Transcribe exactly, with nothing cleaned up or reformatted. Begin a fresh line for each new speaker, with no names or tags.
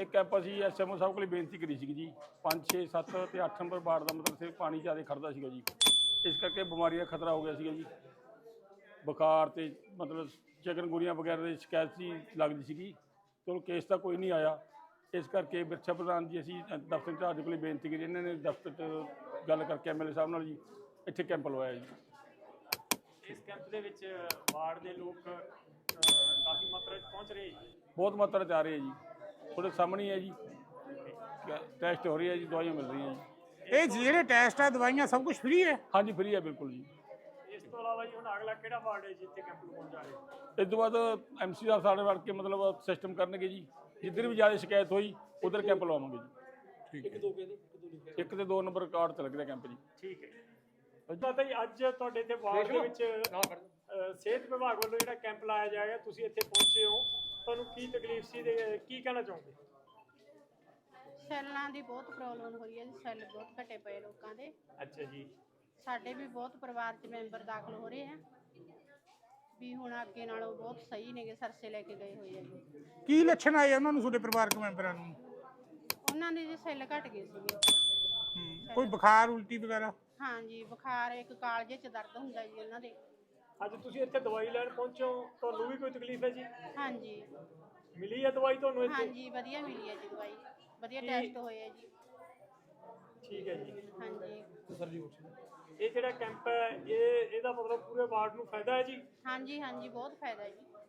एक कैंप असी S M O साहब को बेनती करी सी जी पाँच छे सत्त तो अठ नंबर वार्ड का मतलब सिर्फ पानी ज़्यादा खड़ता सीगा जी इस करके बीमारी का खतरा हो गया सीगा जी बुखार तो मतलब चिकनगुनिया वगैरह की शिकायत सी लगती सी चलो केस तो कोई नहीं आया इस करके विरसा प्रधान जी असी दफ्तर इंचार्ज को बेनती करी इन्होंने दफ्तर च गल करके एम एल ए साहब नाल जी इत्थे कैंप लवाया जी।
इस कैंप दे विच वार्ड दे लोग काफ़ी मात्रा च पहुँच रहे जी
बहुत मात्रा च आ रहे हैं जी थोड़े सामने है जी टेस्ट हो रही है जी दवाइयाँ मिल रही हैं जी
ਇਹ ਜਿਹੜੇ ਟੈਸਟ ਆ ਦਵਾਈਆਂ ਸਭ ਕੁਝ ਫ੍ਰੀ ਹੈ
हाँ जी फ्री है बिल्कुल जी।
इस तो अलावा जी हुण अगला किहड़ा वार्ड है जिथे कैंप लगाउण जा रहे हो
इस तो बाद एम सी साहब साढ़े वड़ के मतलब सिस्टम करनगे जी जिधर भी ज़्यादा शिकायत हुई उधर कैंप लवावांगे जी
एक दो के
एक तो दो नंबर कार्ड चल गया कैंप जी।
ठीक है ਪਤਾ ਜੀ ਅੱਜ ਤੁਹਾਡੇ ਇੱਥੇ ਵਾਰਡ ਦੇ ਵਿੱਚ ਅ, ਸਿਹਤ ਵਿਭਾਗ ਵੱਲੋਂ ਜਿਹੜਾ ਕੈਂਪ ਲਾਇਆ ਜਾਏਗਾ ਤੁਸੀਂ ਇੱਥੇ ਪਹੁੰਚੇ ਹੋ ਤੁਹਾਨੂੰ ਕੀ ਤਕਲੀਫ ਸੀ ਤੇ ਕੀ ਕਹਿਣਾ ਚਾਹੋਗੇ
ਸੈੱਲਾਂ ਦੀ ਬਹੁਤ ਪ੍ਰੋਬਲਮ ਹੋ ਰਹੀ ਹੈ ਜੀ ਸੈੱਲ ਬਹੁਤ ਘਟੇ ਪਏ ਲੋਕਾਂ ਦੇ
ਅੱਛਾ ਜੀ
ਸਾਡੇ ਵੀ ਬਹੁਤ ਪਰਿਵਾਰ 'ਚ ਮੈਂਬਰ ਦਾਖਲ ਹੋ ਰਹੇ ਆ ਵੀ ਹੁਣ ਅੱਗੇ ਨਾਲੋਂ ਬਹੁਤ ਸਹੀ ਨੇਗੇ ਸਰਸੇ ਲੈ ਕੇ ਗਏ ਹੋਏ ਆ ਜੀ
ਕੀ ਲੱਛਣ ਆਏ ਉਹਨਾਂ ਨੂੰ ਤੁਹਾਡੇ ਪਰਿਵਾਰਕ ਮੈਂਬਰਾਂ ਨੂੰ
ਉਹਨਾਂ ਦੇ ਜੀ ਸੈੱਲ ਘਟ ਗਏ ਸੀਗੇ
ਹੂੰ, ਕੋਈ ਬੁਖਾਰ ਉਲਟੀ ਵਗੈਰਾ
ਹਾਂਜੀ ਬੁਖਾਰ ਇੱਕ ਕਾਲਜੇ 'ਚ ਦਰਦ ਹੁੰਦਾ ਜੀ ਉਹਨਾਂ ਦੇ
ਅੱਜ ਤੁਸੀਂ ਇੱਥੇ ਦਵਾਈ ਲੈਣ ਪਹੁੰਚੇ ਹੋ ਤੁਹਾਨੂੰ ਵੀ ਕੋਈ ਤਕਲੀਫ ਹੈ ਜੀ
ਹਾਂਜੀ
ਮਿਲੀ ਹੈ ਦਵਾਈ ਤੁਹਾਨੂੰ ਇੱਥੇ
ਹਾਂਜੀ ਵਧੀਆ ਮਿਲੀ ਹੈ ਜੀ ਦਵਾਈ ਵਧੀਆ ਟੈਸਟ ਹੋਏ ਆ ਜੀ
ਠੀਕ ਹੈ ਜੀ
ਹਾਂਜੀ
ਇਹ ਜਿਹੜਾ ਕੈਂਪ ਹੈ ਇਹ ਇਹਦਾ ਮਤਲਬ ਪੂਰੇ ਵਾਰਡ ਨੂੰ ਫਾਇਦਾ ਹੈ ਜੀ
ਹਾਂਜੀ ਹਾਂਜੀ ਬਹੁਤ ਫਾਇਦਾ ਜੀ